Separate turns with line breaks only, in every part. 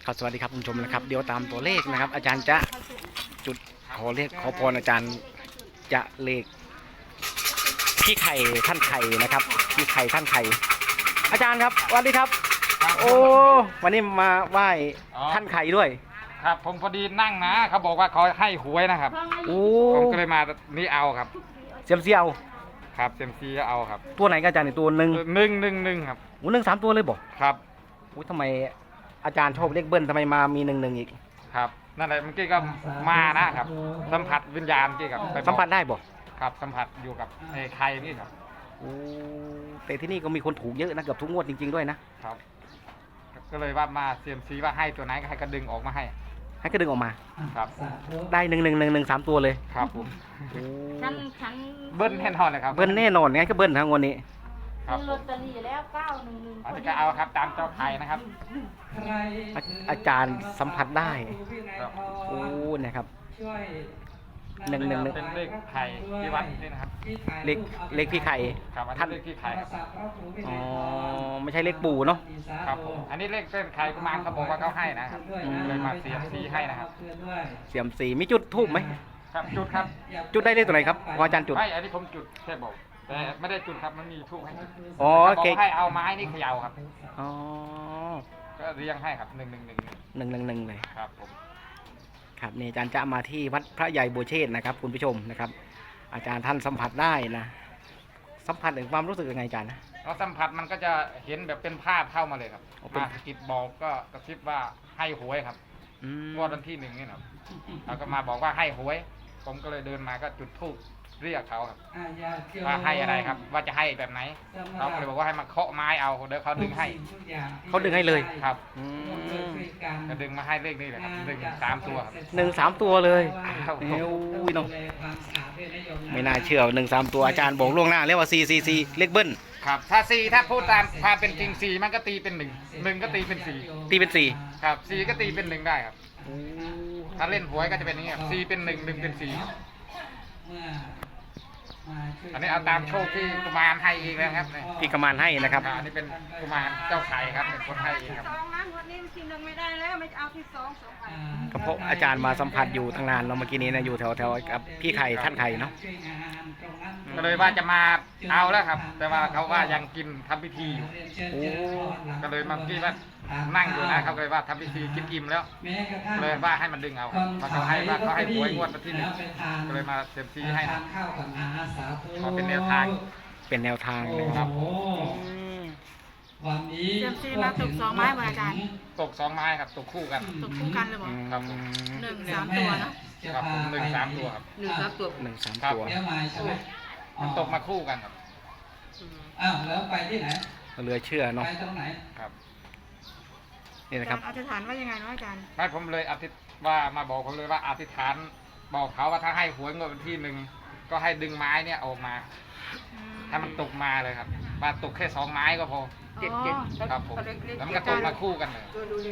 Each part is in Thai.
ครับสวัสดีครับคุณผู้ชมนะครับเดี๋ยวตามตัวเลขนะครับ อาจารย์จะจุดขอเลขขอพรอาจารย์จะเลขพี่ไข่ท่านไข่นะครับพี่ไข่ท่านไข่อาจารย์ครับสวัสดีครับโอ้วันนี้มาไหว้ท่านไข่ด้วย
ครับผมพอดีนั่งนะเขาบอกว่าเขาให้หวยนะครับ
โอ้
ผมก็เลยมานี่เอาครับ
เซียมซีเอา
ครับเซมซีเอาครับ
ตัวไหนกันอาจารย์ตัวหนึ่ง
ครับ
โอ้หนึ่งสามตัวเลยบอก
ครับ
โอ้ทำไมอาจารย์ชอบเลขเบิ้ลทำไมมามีหนึ่งอีก
ครับนั่นแหละเมื่อกี้ก็มานะครับสัมผัสวิญญาณเมื่อกี้ครับ
สัมผัสได้บอก
ครับสัมผัสอยู่กับไอ้ไข่นี่ครับ
โอ้แต่ที่นี่ก็มีคนถูกเยอะนะเกือบทุกงวดจริงๆด้วยนะครับ
ก็เลยว่ามาเซียมซีว่าให้ตัวไหนก็ให้กระดึงออกมาให้
ก็ดึงออกมา
ครับ
ได้หนึ่งสามตัวเลย
ครับผม
ฉัน
เบิ้ลแน่นอนเลยครับ
เบิ้ลแน่นอนงั้นก็เบิ้ลทั้งวันนี้
ครับ
ลอตเตอรี่แล้ว911
อันนี้ก็เอาครับตามเจ้าไข่นะครับ
อาจารย์สัมผัสได้
ครับ
โอ้นะครับ
เป็นเลขไข่ที่วัดนี่นะครับ
เลขพี่ไข่
ครับอันนี้เลขที่ไข่
อ๋อไม่ใช่เลขปู่เนาะ
ครับผมอันนี้เลขเส้นไข่กุมารเขาบอกว่าเขาให้นะครับเลยมาเสียบซีให้นะครับ
เสียมสีมีจุดทูบไหม
ครับจุดครับ
จุดได้เลขตัวไหนครับอาจารย์จุด
ไม่อันนี้ผมจุดแค่บอกแต่ไม่ได้จุดครับมันมีทูบให้
อ๋อ
เก่ให้เอาไม้นี่เขย่าครับ
อ๋อ
ก็เรียงให้ครับ111
เลย
ครับผม
ครับนี่อาจารย์จะมาที่วัดพระใหญ่บัวเชษนะครับคุณผู้ชมนะครับ อาจารย์ท่านสัมผัสได้นะสัมผัสถึงความรู้สึกยังไงอาจารย์นะ
เราสัมผัสมันก็จะเห็นแบบเป็นภาพเข้ามาเลยครับมากิดบอกก็กระซิบว่าให้หวยครับงวดวันที่1นี่นะครับแล้วก็มาบอกว่าให้หวยผมก็เลยเดินมาก็จุดธูปเรียกเขาครับว่าให้อะไรครับว่าจะให้แบบไหนเขาก็เลยบอกว่าให้มาเคาะไม้เอาเดี๋ยวเขาดึงให้
เลย
ครับจะดึงมาให้เลขนี่แหละครับ1 3 ตัวครับ
1 3 ตัวเลยเอ้ยน้องไม่น่าเชื่อ1 3 ตัวอาจารย์บอกล่วงหน้าเรียกว่า4 เลขเบิ้ล
ครับถ้า4ถ้าพูดตามความเป็นจริง4มันก็ตีเป็น1ก็ตีเป็น4
ตีเป็น4
ครับ4ก็ตีเป็น1ได้ครับถ้าเล่นหวยก็จะเป็นอย่างนี้ครับ4เป็น1 1เป็น4อันนี้เอาตามโชคที่กุมารให้เองนะครับ
ที่กุมารให้นะครับ
อันนี้เป็นกุมารเจ้าไข่ครับเป็นคนให้เองครับ
วันนี้ที่1ไม่ได้แล้วไม่เอาที่2
ก็เพราะอาจารย์มาสัมผัสอยู่ตั้งนานเราเมื่อกี้นี้นะอยู่แถวกับพี่ไข่ท่านไข่เนาะ
ก็เลยว่าจะมาเอาแล้วครับแต่ว่าเขาว่ายังกินทำพิธีอยู่ก็เลยมากี้ว่านั่งอยู่นะเขาเลยว่าทำพิธีกินอิ่มแล้วเลยว่าให้มันดึงเอาเพราะเขาให้ว่าเขาให้หวยงวดวันที่1ก็เลยมาเซมซีให้นะขอเป็นแนวทาง
เลยครับ
เซมซีมาตก2 ไม้เหมือนอาจารย์
ตก2 ไม้ครับตกคู่กัน
เลยบอก
ครับ
1 3 ตัวนะครับ
ผม1 3 ตัวครับ
1 3 ตัว
มันตกมาคู่กันครับ
แล้วไปที่ไหน
เหลือเชื่อเนาะ
ไปตรงไหน
ครับ
นี่นะครับ
อธิษฐานว่ายังไงเนาะอาจารย์
ไม่ผมเลยอธิษว่ามาบอกผมเลยว่าอธิษฐานบอกเขาว่าถ้าให้หวยงวดวันที่1ก็ให้ดึงไม้เนี่ยออกมาถ้ามันตกมาเลยครับมาตกแค่2 ไม้ก็พอ7ครับผมแล้วมันก็ตกมาคู่กันเลย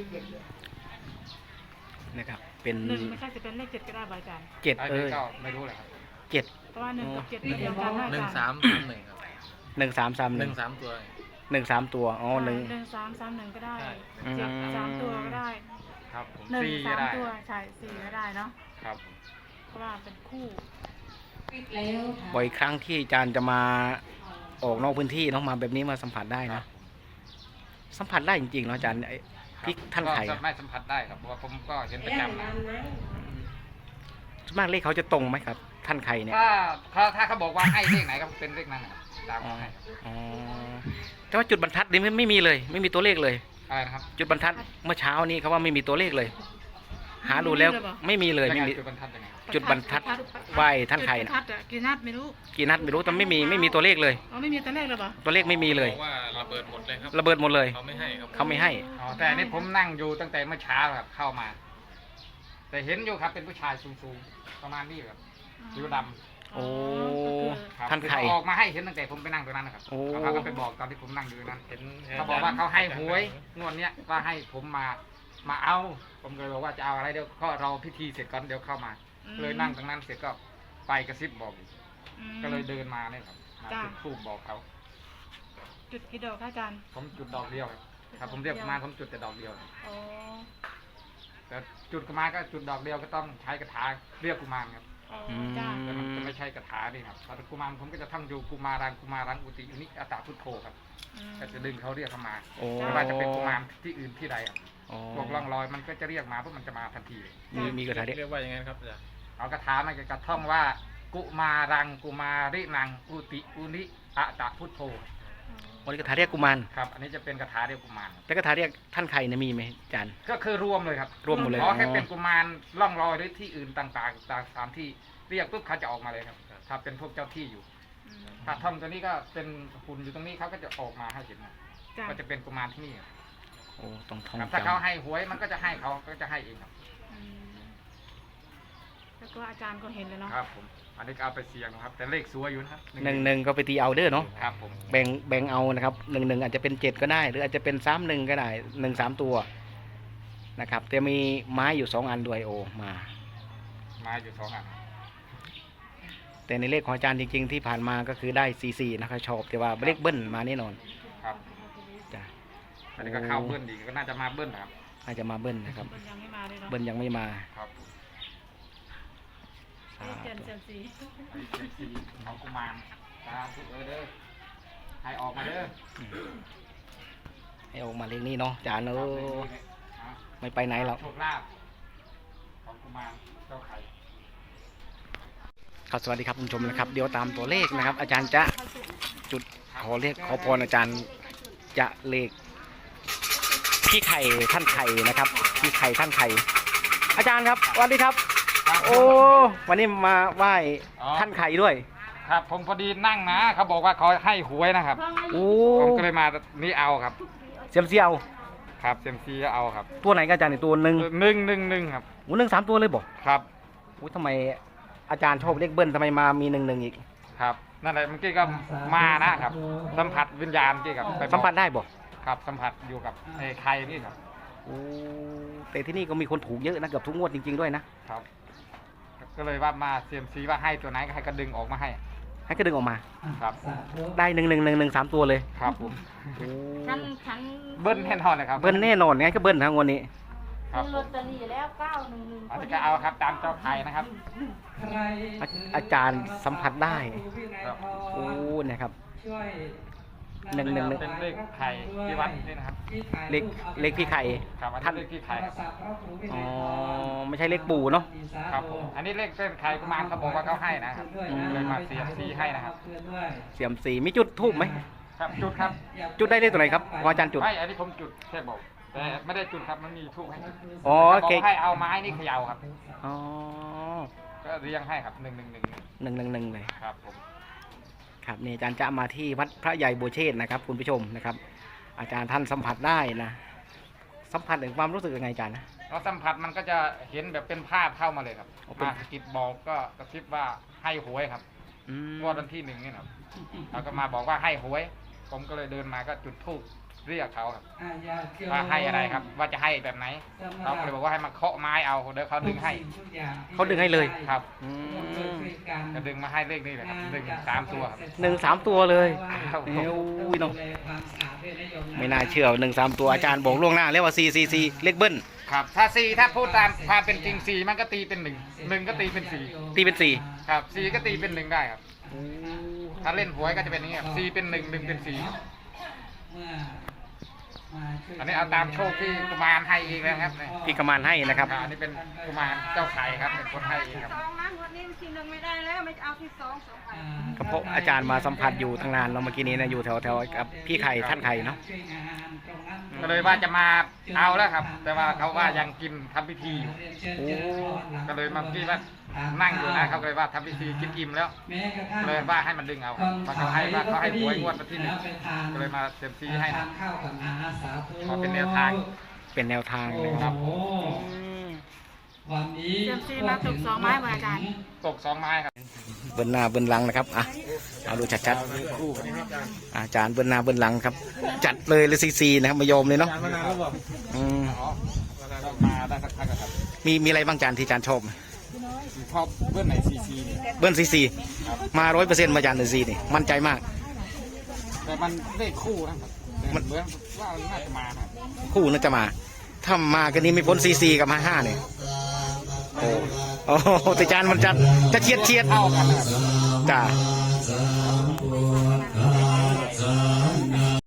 นะครับเป็น
1ไม่ใช่จะเป็นเลข7ก็ได้อาจารย์
7
ก็ไม่รู้เลยครับ
7
เพราะว่า1กับ7เดียวกัน
1 3 3 1ครับ
1 3 3 1
3ตัว
1 3 ตัวอ๋อ
1 3 3 1ก็ได้7 3 ตัวก็ได้
ครับ
1 3 ตัวใช่4ก็ได้เนาะ
ครับ
เพราะว่าเป็นคู่
บ่อยครั้งที่อาจารย์จะมาออกนอกพื้นที่เนาะมาแบบนี้มาสัมผัสได้นะสัมผัสได้จริงๆเนาะอาจารย์พี่ท่านไข่
ไม่สัมผัสได้ครับเพราะว่าผมก็เห็นประจำนะ
ส่วนมากเลขเขาจะตรงไหมครับท่านไข่เนี่ย
ถ้าเขาบอกว่าให้เลขไหนก็เป็นเลขนั้นตามให้
แต่ว่าจุดบรรทัดนี่ไม่มีเลยไม่มีตัวเลขเลย
อะไรนะครับ
จุดบรรทัดเมื่อเช้านี้เขาว่าไม่มีตัวเลขเลยหาดูแล้วไม่มีเลยไม่มีจุดบรรทัดไหว้ท่านไข่นะ
กี่นัดไม่
รู้แต่ไม่มีตัวเลขเลย
ไม่มีตัวเลขเลยปะ
ตัวเลขไม่มีเลย
ว่าระเบิดหมดเลยครับ
ระเบิดหมดเลย
เขาไม่ให้ครับ
เขาไม่ให้
แต่นี่ผมนั่งอยู่ตั้งแต่เมื่อเช้าครับเข้ามาแต่เห็นอยู่ครับเป็นผู้ชายสูงๆประมาณนี้ครับผิวดำ
โอ้ท่านไข่
ออกมาให้เห็นตั้งแต่ผมไปนั่งตรงนั้นนะครับเขาก็ไปบอกตอนที่ผมนั่งอยู่นั้นเห็นเขาบอกว่าเขาให้หวยงวดเนี้ยว่าให้ผมมาเอาผมเลยบอกว่าจะเอาอะไรเดี๋ยวก็รอพิธีเสร็จก่อนเดี๋ยวเข้ามาเลยนั่งตรงนั้นเสร็จก็ไปกระซิบบอกก็เลยเดินมาเนี่ยครับมาจุดธูปบอกเขา
จุดกี่ดอกอาจารย์
ผมจุดดอกเดียวครับผมเรียกมาผมจุดแต่ดอกเดียวแต่จุดกุมารก็จุดดอกเดียวก็ต้องใช้กระถาเรียกกุมารครับ
จ้า
แต่มันจะไม่ใช่กระถาดิครับพอกุมารผมก็จะท่องอยู่กุมารังอุติอุนิอัตตาพุทโธครับก็จะดึงเขาเรียกเข้ามา
โอ้
ไม่ว่าจะเป็นกุมารที่อื่นที่ใดครับ
อ๋อ
พวกร่องรอยมันก็จะเรียกมาเพราะมันจะมาทันทีเลย
มีกระถาเรียก
เรียกว่ายังไงครับอาจารย์
เอากระถามันก็จะท่องว่ากุมารังกุมารินังอุติอุนิอัตตาพุทโธ
วันนี้กระถาเรียกกุมาร
ครับอันนี้จะเป็นกระถาเรียกกุมารครับ
แล้วกระถาเรียกท่านใครเนี่ยมีไหมอาจารย์
ก็คือรวมเลยครับ
รวมหมดเลย
ขอแค่
อ๋อ
เป็นกุมารร่องรอยหรือที่อื่นต่างๆตามที่เรียกปุ๊บเขาจะออกมาเลยครับถ้าเป็นพวกเจ้าที่อยู่ ถ้าท่อมตัวนี้ก็เป็นหุ่นอยู่ตรงนี้เขาก็จะออกมาให้เห็น
จ้า
ก็จะเป็นกุมารที่นี่ครับ
โอ้ต้องท่อง
ถ้าเขา
จำ
ให้หวยมันก็จะให้เขาก็จะให้เองครับ
แล้วก็อาจารย์ก็เห็นเลยเนาะ
ครับผมอันนี้ก็เอาไปเสี่ยงนะครับ แต่เลขสวยอยู่นะครับ
1 ก็ไปตีเอาเด้อเนาะ
ครับผม
แบ่งเอานะครับ1อาจจะเป็น7ก็ได้ หรืออาจจะเป็น31ก็ได้1 3ตัวนะครับแต่มีไม้อยู่2 อันด้วยโอมา
มาอยู่2 อัน
แต่ในเลขของอาจารย์จริงๆที่ผ่านมาก็คือได้44นะครับชอบแต่ว่าเลขเบิ้ลมาแน่นอน
ครับ
จ้ะ
อันนี้ก็เข้าเบิ้ลอีกก็น่าจะมาเบิ้ลนะครับ
น่าจะมาเบิ้ลนะครับ
มันยังไม่มาเลยเนาะ
เบิ้ลยังไม่มา
ครับ
เอ้ยเจนเซมซี
ไอ้เจ็ดสี่ของกุมารตาทุกเด้อให้ออกมาเด้อ
ให้ออกมาเลขนี้เนาะอาจารย์เอ
ครับ
อ
เลขนี้เลยนะ
ไม่ไปไหนหรอก
โชคลาภของกุมารเจ้าไข่
ครับสวัสดีครับคุณผู้ชมนะครับเดี๋ยวตามตัวเลขนะครับ อาจารย์จะจุดขอพรอาจารย์จะเลขพี่ไข่ท่านไข่นะครับพี่ไข่ท่านไข่อาจารย์ครับสวัสดีครับ โอ้วันนี้มาไหว้ท่านไข่ด้วย
ครับผมพอดีนั่งนะเขาบอกว่าเขาให้หวยนะครับ
โอ้
ผมก็เลยมานี่เอาครับ
เสียมเซียว
ครับเซมซีก็เอาครับ
ตัวไหนก็อาจารย์นี่ตัวหนึ่ง
111ครับ
โอ้1 3 ตัวเลยบอก
ครับ
โอ้ทำไมอาจารย์ชอบเลขเบิ้ลทำไมมามี1อีก
ครับนั่นแหละเมื่อกี้ก็มานะครับ สัมผัสวิญญาณที่กับไปบอก
สัมผัสได้บอก
ครับสัมผัสอยู่กับไอ้ไข่นี่ครับ
โอ้แต่ที่นี่ก็มีคนถูกเยอะนะเกือบทุกงวดจริงๆด้วยนะครับ
ก็เลยว่ามาเซมซีว่าให้ตัวไหนก็ให้กระดึงออกมาให้
ให้ก็ดึงออกมา
ครับ
ได้1 3 ตัวเลย
ครับผม
โอ้
ฉัน
เบิ้ลแน่นอนเลยครับ
เบิ้ลแน่นอนไงก็เบิ้ลทั้งวันนี้
ครับผ
ลอ
ม
ตเตอรี่แล้ว911
อันนี้ก็เอาครับตามเจ้าไข่นะครับ
อาจารย์สัมผัสได้
ครับ
โอ้นะครับ
ช่วย
1 1 1
เป็นเลขไข่ที่วัดนี่นะครับ
เลขพี่ไข่
ครับอัน
ท่า
นี้
น
เลขที่ไข่ครับ
อ๋อไม่ใช่เลขปู่เนาะ
ครับผมอันนี้เลขเส้นไข่กุมารเขาบอกว่าเขาให้นะครับเลยมาเสียบซีให้นะครับ
เสียมสีมีจุดทูบไหม
ครับจุดครับ
จุดได้เลขตัวไหนครับพออาจารย์จุด
ไม่อันนี้ผมจุดแค่บอกแต่ไม่ได้จุดครับมันมีทูบให้จุด
อ๋อ
เขาบ
เก
อกให้เอาไม้นี่เขย่าครับ
อ๋อ
ก็เรียงให้ครับ111
111เลย
ครับผม
ครับนี่อาจารย์จะมาที่วัดพระใหญ่บัวเชษฐ์นะครับคุณผู้ชมนะครับ อาจารย์ท่านสัมผัสได้นะสัมผัสถึงความรู้สึกยังไงอาจารย์นะ
เราสัมผัสมันก็จะเห็นแบบเป็นภาพเข้ามาเลยครับ
อ๋อเป็น
มาสะกิดบอกก็กระซิบว่าให้หวยครับ
อืม
งวดวันที่1นี่นะครับเขาก็มาบอกว่าให้หวย ผมก็เลยเดินมาก็จุดธูปเรียกเขาครับว่าให้อะไรครับ ว่าจะให้แบบไหนเขาก็เลยบอกว่าให้มาเคาะไม้เอาเดี๋ยวเขาดึงให้
เขาดึงให้เลย
ครับ
อืม
ก็ดึงมาให้เลขนี่เลยครับ1 3 ตัวครับ
1 3 ตัวเลย
ครับ
เอ้ยเนาะไม่น่าเชื่อ1 3 ตัวอาจารย์บอกล่วงหน้าแล้วว่า4เลขเบิ้ล
ครับถ้า4ถ้าพูดตามความเป็นจริง4มันก็ตีเป็น1ก็ตีเป็น4
ตีเป็น
ครับ4ก็ตีเป็น1ได้ครับ ถ้าเล่นหวยก็จะเป็นอย่างนี้ครับ4เป็น1 1เป็น4อันนี้เอาตามโชคที่กุมารให้เองนะครับเนี่ย
พี่กมานให้นะครับ
อันนี้เป็นกุมารเจ้าไข่ครับเป็นคนให้เองครับ
2นะวันนี้ที่1ไม่ได้แล้วไม่เอาที่2ไป
ก็เพราะอาจารย์มาสัมผัสอยู่ตั้งนานเราเมื่อกี้นี้นะอยู่แถวๆกับพี่ไข่ท่านไข่เนาะ
ก็เลยว่าจะมาเอาแล้วครับ แต่ว่าเขาว่ายังกินทำพิธีอยู่
โอ้
ก็เลยมากี้ว่านั่งอยู่นะเขาเลยว่าทำพิธีกินอิ่มแล้วเลยว่าให้มันดึงเอาเพราะเขาให้ว่าเขาให้หวยงวดวันที่1ก็เลยมาเซมซีให้นะขอเป็นแนวทาง
เป็นแนวทางเลยครับ
วันนี้
เซมซีมาถูก2ไม้เหมือนอาจารย์
ตก2 ไม้ครับ
เบิ้ลหน้าเบิ้ลหลังนะครับอ่ะเอาดูชัดๆอาจารย์เบิ้ลหน้าเบิ้ลหลังครับ จัดเลยซีนะครับมายอมเลยเนาะอืม
อ๋อมาได้สักพักแล้วครับ
มีอะไรบ้างอาจารย์ที่อาจารย์ชอบ
ชอบเบื้องไหนซีเนี่ย
เบิ้ลซีมา100%มาอาจารย์ซีนี่มั่นใจมาก
แต่มันเลขคู่นะครับเหมือนว่าน่าจะมาครับ
คู่น่าจะมาถ้ามากันนี้ไม่พ้นซีกับ55เนี่ยโอ้โอ้แต่จานมันจะเฉียด
เท่ากันนะครับ
จ้า